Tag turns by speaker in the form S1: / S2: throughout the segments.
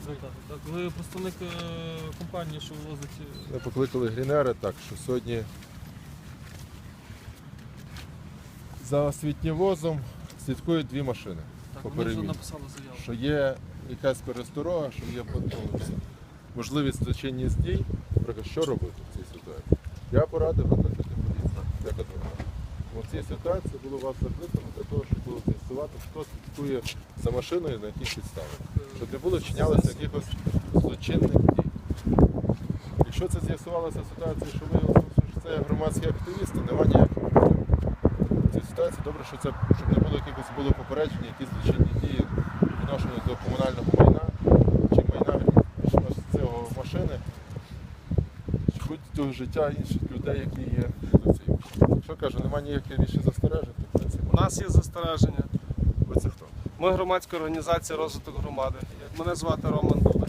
S1: Так. Ви представник компанії, що вивозить...
S2: Ми покликали Грінери, так, що сьогодні за освітньовозом слідкують дві машини.
S1: Так, вони вже написали заяву.
S2: Що є якась пересторога, що є можливість злочинність дій, що робити в цій ситуації. Я порадив викликати поліцію, як адвокат. У цій ситуації було вас закликано для того, щоб було з'ясувати, хто слідкує за машиною, на яких підставах. Щоб не було вчинялося якихось злочинних дій. Якщо це з'ясувалася ситуація, що виявилося, що це громадські активісти, немає ніяких проблем. В цій ситуації добре, що це, щоб не було якихось попередження, якісь злочинні дії відношені до комунального майна чи майна цього машини, чи будь-то життя інших людей, які є до цієї. Що кажу, немає ніяких більше застережень, то в принципі.
S3: У нас є застереження.
S2: Ви це хто?
S3: Ми громадська організація розвиток громади. Мене звати Роман Дуда.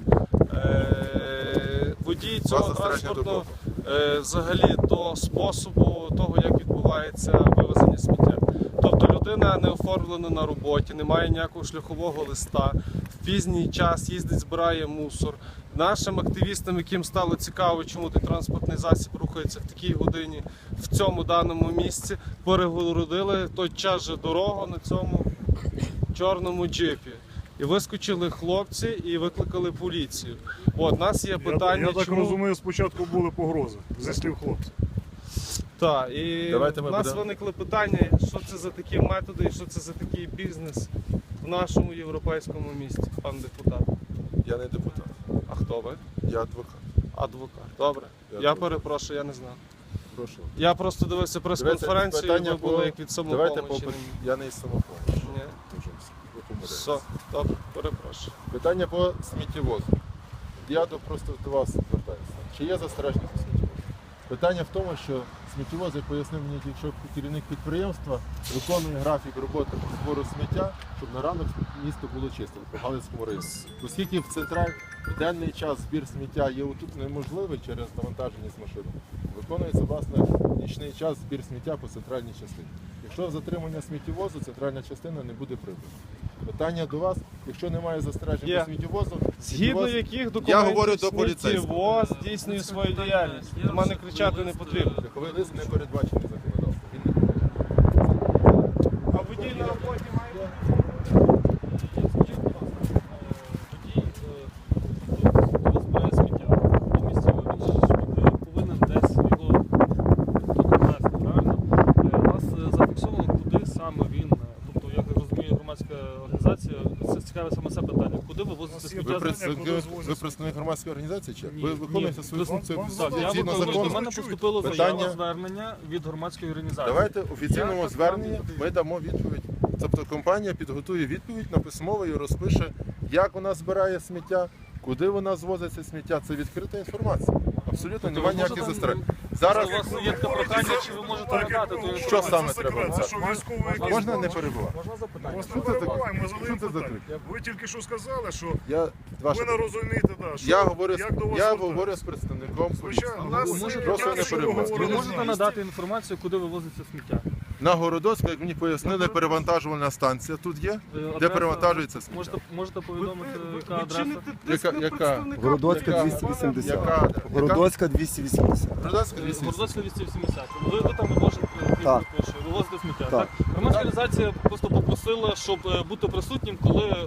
S3: Водій цього транспорту взагалі до способу того, як відбувається вивезення сміття. Тобто людина не оформлена на роботі, не має ніякого шляхового листа, в пізній час їздить, збирає мусор. Нашим активістам, яким стало цікаво, чому той транспортний засіб рухається в такій годині, в цьому даному місці, перегородили той час же дорогу на цьому чорному джипі. І вискочили хлопці і викликали поліцію. От, нас є питання,
S4: я так
S3: чому...
S4: розумію, спочатку були погрози, зі слів хлопців.
S3: Так, і
S2: Давайте
S3: в нас виникли питання, що це за такі методи і що це за такий бізнес в нашому європейському місті, пан депутат.
S2: Я не депутат.
S3: А хто ви?
S2: Я адвокат.
S3: Адвокат. Добре. Я перепрошую, я не знав.
S2: Прошу.
S3: Я просто дивився прес-конференцію, і ви були як від
S2: Давайте
S3: самопомочі.
S2: Я не із самопомочі.
S3: Ні.
S2: Ви помиляєтесь.
S3: Все, добре, перепрошую.
S2: Питання по сміттєвозу. Я просто до вас звертаюся. Чи є застереження по сміттєвозу? Питання в тому, що сміттєвоз, як пояснив мені, якщо керівник підприємства виконує графік роботи по збору сміття, щоб на ранок місто було чисте по Галицькому районі. Оскільки в денний час збір сміття є тут неможливий через навантаження з машини, виконується, власне, нічний час збір сміття по центральній частині. Якщо затримання сміттєвозу, центральна частина не буде прибута. Питання до вас, якщо немає застережень по сміттєвозу,
S3: Згідно яких
S2: Я говорю
S3: документів
S2: до поліцейського.
S3: сміттєвоз здійснює свою діяльність? До мене кричати не потрібно.
S2: Такий лист не передбачений законодавством. Він не
S3: А водій на роботі має бути?
S1: Скажіть, будь ласка, водій збирає сміття. По місці він повинен десь його довести, правильно? У нас зафіксовано, куди саме він, тобто, як розуміє громадська організація, це цікаве саме це питання, куди вивозити сміття.
S2: Ви представник громадської організації чи?
S1: Ні,
S2: Ви виконуєте
S1: ні.
S2: свою функцію
S1: Так, я
S2: згідно
S1: виконую, до
S2: закону?
S1: мене поступило
S2: Питання-
S1: звернення від громадської організації.
S2: Давайте в офіційному
S1: Я
S2: зверненні
S1: так
S2: ми дамо відповідь. Тобто компанія підготує відповідь на письмово і розпише, як вона збирає сміття, куди вона звозить це сміття. Це відкрита інформація. Абсолютно немає ніяких застережень. Зараз
S1: У вас є таке прохання, чи ви можете надати ту
S2: що саме
S4: Це
S2: треба?
S4: секрет, це що військовий якийсь
S2: Можна не
S4: збор?
S2: перебувати?
S1: Можна запитання?
S4: Вас не
S2: Що це таке?
S4: перебуваємо, ми
S2: Що
S4: задаємо
S2: це за
S4: питання.
S2: крик?
S4: Ви тільки що сказали, що
S2: Я, ваше
S4: ви не розумієте, да, що,
S2: Я говорю,
S4: як до вас
S2: я
S4: звертатися.
S2: говорю з представником поліції.
S4: Звичайно, у нас
S2: Прошу не перебувати.
S1: Ви
S4: говорили
S1: можете
S4: з
S1: надати інформацію, куди вивозиться сміття?
S2: На Городоцьку, як мені пояснили, перевантажувальна станція тут є, де
S1: Адреса-
S2: перевантажується сміття.
S1: Можете повідомити, яка адреса?
S2: Яка?
S5: Городоцька
S2: Яка?
S5: 280.
S2: Яка?
S5: Городоцька 280.
S2: Городоцька 280.
S1: Городоцька 270. Ви там
S5: Так.
S1: вивозите сміття,
S5: Так.
S1: так? Громадська організація просто попросила, щоб бути присутнім, коли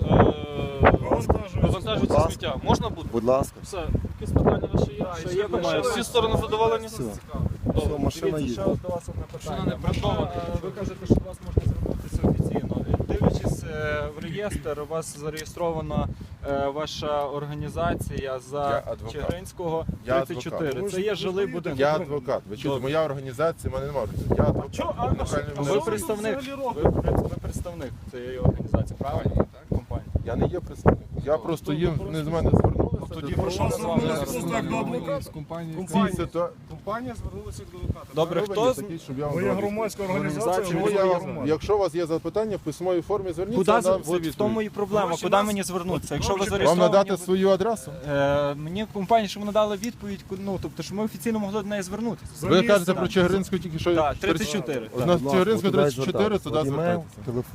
S1: вивантажується
S5: ласка.
S1: сміття. Можна бути?
S5: Будь ласка.
S1: Все, якісь питання ваші є?
S5: Ще є питання?
S1: Всі сторони задоволені?
S5: Все.
S1: Добре.
S5: Все, машина їде.
S6: Ще до вас одне
S1: Машина
S6: питання.
S1: не придбана.
S6: Ви кажете, що до вас можна звернутися офіційно. Дивлячись в реєстр, у вас зареєстрована ваша організація
S2: Я
S6: за
S2: адвокат.
S6: Чигиринського
S2: Я
S6: 34.
S2: адвокат.
S6: Це є жилий будинок.
S2: Я адвокат. Ви чуєте, моя організація, в мене немає. Я адвокат. Неправильно
S6: Ви
S2: мене
S6: представник, ви представник цієї організації, правильно? Компанії.
S2: Я не є представник. Я просто їм не з мене звернулися.
S4: Тоді прошу звернутися так до адвоката.
S3: Компанія звернулася до адвоката.
S6: Добре, хто з...
S4: Ви є громадська організація,
S2: Чому
S4: ви
S2: я
S4: є
S2: вам,
S4: громадська.
S2: якщо у вас є запитання, в письмовій формі зверніться,
S6: Куди
S2: я дам всі
S6: от в тому
S2: відповіді.
S6: і проблема,
S4: Гроші
S6: куди
S4: нас-
S6: мені звернутися? Якщо ви
S4: Вам
S2: Вам
S6: зареєстровані...
S2: надати свою адресу?
S6: Мені компанія, щоб вони дали відповідь, ну, тобто, що ми офіційно могли до неї звернутися.
S2: Ви
S4: місце.
S2: кажете про Чигиринську тільки що?
S6: Так, 34.
S2: У нас
S5: Будь ласка,
S2: Чигиринську
S5: туди
S2: 34,
S5: звертатися.
S2: туди
S5: Імейл,
S2: звертайтеся.
S5: телефон.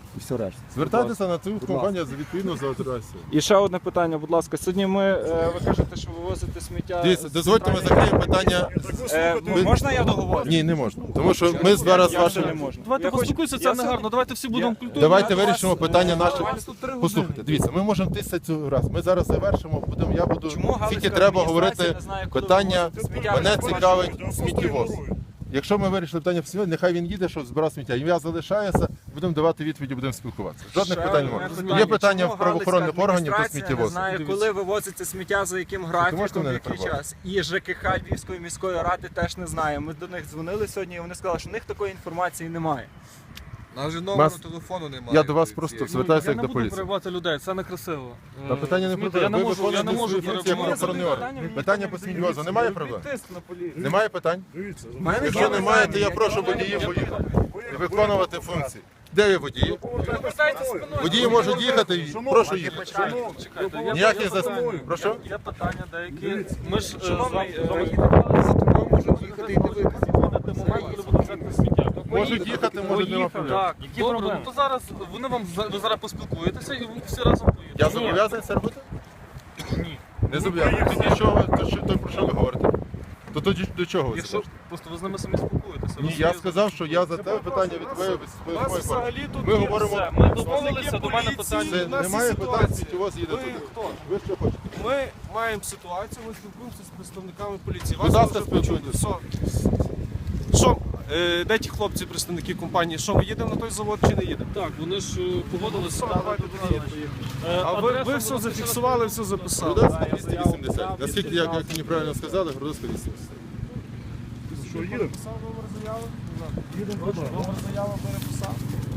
S5: І все решта.
S2: Звертайтеся на цю компанію відповідно за адресою.
S6: І ще одне питання, будь ласка. Сьогодні ви кажете, що ви возите сміття.
S2: Дивіться,
S6: з
S2: дозвольте, ми
S6: центральної-
S2: закриємо питання.
S6: Можна я договорю?
S2: Ні, не можна. Тому що ми зараз
S6: Я вже не
S2: вашим.
S6: можу.
S1: Давайте
S6: Я хочу-
S1: поспілкуйся,
S6: я
S1: це не
S6: сьогодні-
S1: гарно. Давайте всі будемо культурні.
S2: Давайте
S6: Я
S2: вирішимо
S6: вас-
S2: питання наше.
S6: вас тут 3 години.
S2: Послухайте, дивіться, ми можемо тисячу раз. Ми зараз завершимо, я буду.
S6: Чому Галицька
S2: Тільки треба
S6: адміністрація
S2: говорити
S6: не знає, коли
S2: питання.
S6: вивозити сміття?
S2: Мене
S6: Ваші-
S2: цікавить сміттєвоз. Якщо ми вирішили питання сміття, нехай він їде, щоб збирав сміття. Ім'я залишається, будемо давати відповіді, будемо спілкуватися. Жодних
S6: Ще
S2: питань
S6: одне
S2: немає. Є питання
S6: Чому
S2: в правоохоронних
S6: Галицька
S2: органів по
S6: адміністрація
S2: сміттєвозу.
S6: не знає, коли вивозиться сміття, за яким графіком,
S2: можете мене
S6: в
S2: не
S6: який
S2: перебивати?
S6: час. І ЖКХ Львівської міської ради теж не знає. Ми до них дзвонили сьогодні, і вони сказали, що в них такої інформації немає.
S7: Навіть номеру
S2: Нас-
S7: телефону немає.
S2: Я до вас
S7: цієї.
S2: просто звертаюся
S1: Я
S2: як
S1: не
S2: до
S1: буду
S2: поліції.
S1: перебивати людей, це некрасиво.
S2: Та питання не
S1: Розумієте,
S2: про те.
S1: я не
S2: Ви
S1: можу
S2: виконуєте свою функцію як
S1: перебивати.
S2: правоохоронний орган. Питання по сміттєвозу. Немає проблем?
S6: Тиск на поліцію.
S2: Немає питань?
S4: Дивіться,
S2: Якщо немає, то я прошу водіїв поїхати. Виконувати функції. Де є водії? Водії можуть їхати, прошу їхати.
S1: Чекайте, я
S2: Ніяких зас... Прошу?
S1: Є питання деякі. Ми ж з вами
S7: За тобою можуть їхати і дивитися.
S1: момент, коли будемо взяти сміття.
S2: Можуть їхати, може нема проблем.
S1: Так, добре, ну то зараз вони вам ви зараз поспілкуєтеся і ви всі разом поїдете.
S2: Я зобов'язаний це робити? Ні. Не зобов'язаний. Тоді що ви, то про що ви говорите? То тоді до чого ви це
S1: Якщо
S2: кажете?
S1: просто ви з ними самі спілкуєтеся.
S2: Ні, я сказав, що я за те питання відповів від
S3: У нас
S2: своєї форми.
S3: взагалі тут
S2: Ми
S3: є
S2: говоримо,
S1: все, ми домовилися, до мене
S3: поліції,
S1: питання.
S2: це
S3: у нас є
S2: немає питань,
S3: ситуація.
S2: сміттєвоз їде
S3: Ви
S2: туди.
S3: хто?
S2: Ви що хочете?
S3: Ми маємо ситуацію, ми спілкуємося з представниками поліції.
S2: Будь ласка,
S3: вже почули.
S2: спілкуйтесь.
S3: Що, де ті хлопці, представники компанії? Що, ми їдемо на той завод чи не їдемо?
S1: Так, вони ж погодилися.
S3: Давайте А ви все зафіксували, все записали.
S2: Городоцька 280. Наскільки, як мені правильно сказали, Городоцька 280.
S4: що їдемо?
S3: Написав номер заяви? Їдемо, номер заяви переписав.